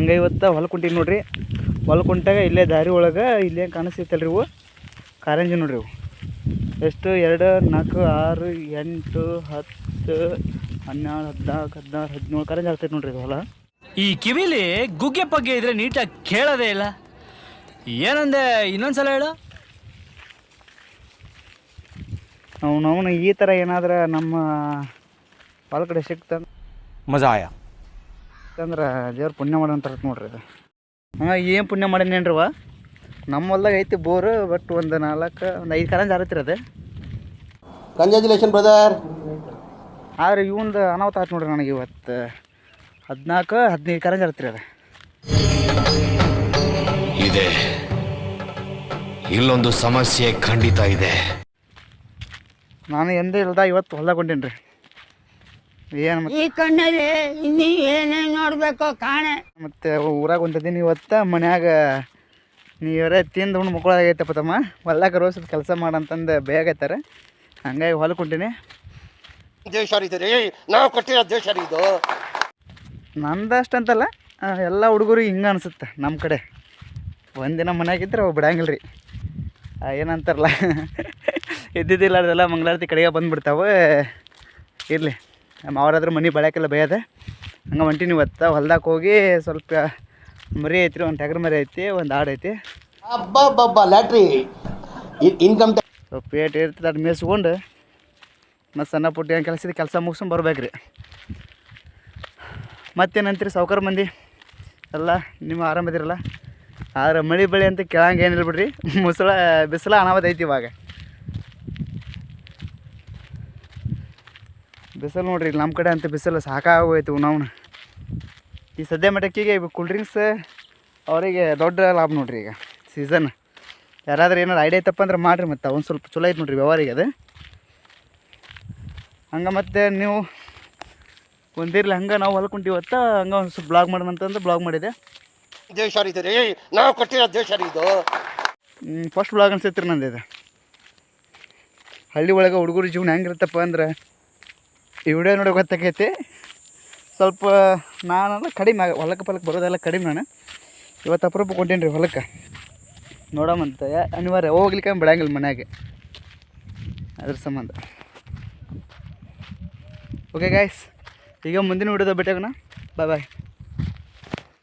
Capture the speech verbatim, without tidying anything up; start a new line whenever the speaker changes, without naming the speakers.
ಹಂಗೆ ಇವತ್ತು ಹೊಲಕ್ಕೆ ಹೊಂಟೀನಿ ನೋಡ್ರಿ. ಹೊಲಕ್ಕೆ ಹೊಂಟಾಗ ಇಲ್ಲೇ ದಾರಿ ಒಳಗೆ ಇಲ್ಲೇ ಕಾಣಿಸ್ತೈತಲ್ರಿ ಇವು ಕಾರಂಜಿ ನೋಡ್ರಿ. ಇವು ಎಷ್ಟು ಎರಡು ನಾಲ್ಕು ಆರು ಎಂಟು ಹತ್ತು ಹನ್ನೆರಡು ಹದಿನಾಲ್ಕು ಹದಿನಾರು ಹದಿನೇಳು ಕಾರಂಜಿ ಆಗ್ತೈತೆ ನೋಡ್ರಿ ಇದು ಹೊಲ.
ಈ ಕಿವಿಲಿ ಗುಗ್ಗೆ ಪಗ್ಗೆ ಇದ್ರೆ ನೀಟಾಗಿ ಕೇಳೋದೇ ಇಲ್ಲ. ಏನಂದೆ ಇನ್ನೊಂದ್ಸಲ ಹೇಳು.
ಅವನು ಅವನು ಈ ಥರ ಏನಾದ್ರೆ ನಮ್ಮ ಹೊಲ ಕಡೆ ಸಿಕ್ತಂದ್ರೆ
ಮಜಾ ಆಯ
ಅಂದ್ರೆ ದೇವ್ರ ಪುಣ್ಯ ಮಾಡೋಂತಾರ ನೋಡ್ರಿ ಇದು. ಹಾಂ ಏನು ಪುಣ್ಯ ಮಾಡೇನೇನ್ರಿವ. ನಮ್ಮ ಹೊಲ್ದಾಗ ಐತಿ ಬೋರು, ಬಟ್ ಒಂದು ನಾಲ್ಕು ಒಂದು ಐದು ಕಾರಂಜಿ ಆರತ್ರಿ ಅದು.
Congratulation brother.
ಆದ್ರೆ ಇವಂದು ಅನಾಹುತ ಆಯ್ತು ನೋಡ್ರಿ ನನಗೆ ಇವತ್ತು. ಹದಿನಾಲ್ಕು ಹದಿನೈದು ಕಾರಂಜಿ ಆರತ್ರಿ ಅದು.
ಇದೆ ಇಲ್ಲೊಂದು ಸಮಸ್ಯೆ ಖಂಡಿತ ಇದೆ.
ನಾನು ಎಂದೇ ಇಲ್ದ ಇವತ್ತು ಹೊಲ್ದಾಗ ಹೊಂಟೀನಿ ರೀ. ಏನು
ಈ ಕಣ್ಣಲ್ಲಿ ಇನ್ನೂ ಏನೇನು ನೋಡಬೇಕು ಕಾಣೆ.
ಮತ್ತು ಊರಾಗ ಹೊಂಟಿದ್ದೀನಿ ಇವತ್ತು. ಮನ್ಯಾಗ ನೀವರೇ ತಿಂದು ಉಣ್ಣು ಮಕ್ಕಳಾಗೈತಪ್ಪ ತಮ್ಮ, ಹೊಲ್ದಾಗ ರೋಸದ ಕೆಲಸ ಮಾಡಂತಂದು ಬೇಗೈತಾರೆ. ಹಂಗಾಗಿ ಹೊಲಕ್ಕೆ ಹೊಂಟೀನಿ.
ದೇಶ ರೀ ನಾವು ಕೊಟ್ಟಿರೋ ದೇಶ ಇದು.
ನಂದಷ್ಟು ಅಂತಲ್ಲ, ಎಲ್ಲ ಹುಡುಗರು ಹಿಂಗೆ ಅನಿಸುತ್ತೆ ನಮ್ಮ ಕಡೆ. ಒಂದಿನ ಮನ್ಯಾಗಿದ್ರೆ ಅವು ಬಿಡಂಗಿಲ್ಲ ರೀ. ಏನಂತಾರಲ್ಲ ಇದ್ದಿದ್ದಿಲ್ಲ ಅದೆಲ್ಲ ಮಂಗಳಾರತಿ ಕಡೆಗೆ ಬಂದುಬಿಡ್ತಾವೆ. ಇರಲಿ ಅವರಾದ್ರೂ ಮನೆ ಬೆಳಕೆಲ್ಲ ಬೇಯದೆ. ಹಂಗೆ ಹೊಂಟೀನಿ ಇವತ್ತು. ಹೊಲ್ದಾಗ ಹೋಗಿ ಸ್ವಲ್ಪ ಮರಿ ಐತ್ರಿ, ಒಂದು ಟಗರು ಮರಿ ಐತಿ, ಒಂದು ಆಡು ಐತಿ.
ಅಬ್ಬಬ್ಬಬ್ಬ ಲ್ಯಾಟ್ರಿ ಇನ್ಕಮ್
ಸ್ವಲ್ಪ ಪೇಟ್ ಇರ್ತದೆ ಅದು ಮೇಯಿಸ್ಕೊಂಡು ಮತ್ತು ಸಣ್ಣ ಪುಟ್ಟ ಏನು ಕೆಲಸ ಇದೆ ಕೆಲಸ ಮುಗಿಸ್ಕೊಂಡು ಬರ್ಬೇಕು ರೀ. ಮತ್ತೇನಂತೀರಿ ಸಾವ್ಕಾರ ಮಂದಿ ಎಲ್ಲ ನಿಮ್ಮ ಆರಾಮದಿರಲ್ಲ. ಆದ್ರೆ ಮಳೆ ಬೆಳೆ ಅಂತ ಕೇಳಂಗೆ ಏನಿಲ್ಲ ಬಿಡ್ರಿ. ಮುಸಳ ಬಿಸಿಲ ಅನಾವತ್ ಐತಿ ಇವಾಗ. ಬಿಸಿಲು ನೋಡ್ರಿ ಇಲ್ಲಿ ನಮ್ಮ ಕಡೆ ಅಂತ ಬಿಸಿಲು ಸಾಕಾಗೋಯ್ತು. ನಾವು ಈ ಸದ್ಯ ಮಟ್ಟಕ್ಕಿಗೆ ಕೂಲ್ ಡ್ರಿಂಕ್ಸ್ ಅವರಿಗೆ ದೊಡ್ಡ ಲಾಭ ನೋಡ್ರಿ. ಈಗ ಸೀಸನ್ ಯಾರಾದ್ರೂ ಏನಾರು ಐಡಿಯಾ ಐತಪ್ಪ ಅಂದ್ರೆ ಮಾಡಿರಿ. ಮತ್ತು ಒಂದು ಸ್ವಲ್ಪ ಚಲೋ ಐತೆ ನೋಡ್ರಿ ವ್ಯವಹಾರಿಗೆ ಅದು. ಹಂಗೆ ಮತ್ತು ನೀವು ಒಂದಿರಲಿ ಹಂಗೆ ನಾವು ಹೊಲ್ಕೊಂಡಿ ಇವತ್ತು ಹಂಗೆ ಒಂದು ಸ್ವಲ್ಪ ಬ್ಲಾಗ್ ಮಾಡೋಣ ಅಂತಂದು ಬ್ಲಾಗ್ ಮಾಡಿದೆ.
ದೇಶ ರೀ ನಾವು ಕೊಟ್ಟಿರೋ ದೇಶ ಇದು.
ಫಸ್ಟ್ ಬ್ಲಾಗ್ ಅನ್ಸೈತ್ರಿ ನಂದು ಇದು. ಹಳ್ಳಿ ಒಳಗೆ ಹುಡುಗರು ಜೀವನ ಹೆಂಗಿರುತ್ತಪ್ಪ ಅಂದ್ರೆ ಈ ವಿಡಿಯೋ ನೋಡಿ ಗೊತ್ತಾಕೈತಿ. ಸ್ವಲ್ಪ ನಾನು ಕಡಿಮೆ ಹೊಲಕ್ಕೆ ಪಲಕ್ಕೆ ಬರೋದೆಲ್ಲ ಕಡಿಮೆ. ನಾನು ಇವತ್ತು ಅಪರೂಪ ಕೊಂಟೀನಿ ರೀ ಹೊಲಕ್ಕೆ ನೋಡಮಂತ. ಅನಿವಾರ್ಯ ಹೋಗ್ಲಿಕ್ಕೆ ಬಿಡಂಗಿಲ್ಲ ಮನ್ಯಾಗೆ, ಅದ್ರ ಸಂಬಂಧ. ಓಕೆ ಗಾಯ್ಸ್, ಈಗ ಮುಂದಿನ ವಿಡಿಯೋದ ಭೇಟಿಯಾಗೋಣ. ಬಾಯ್ ಬಾಯ್.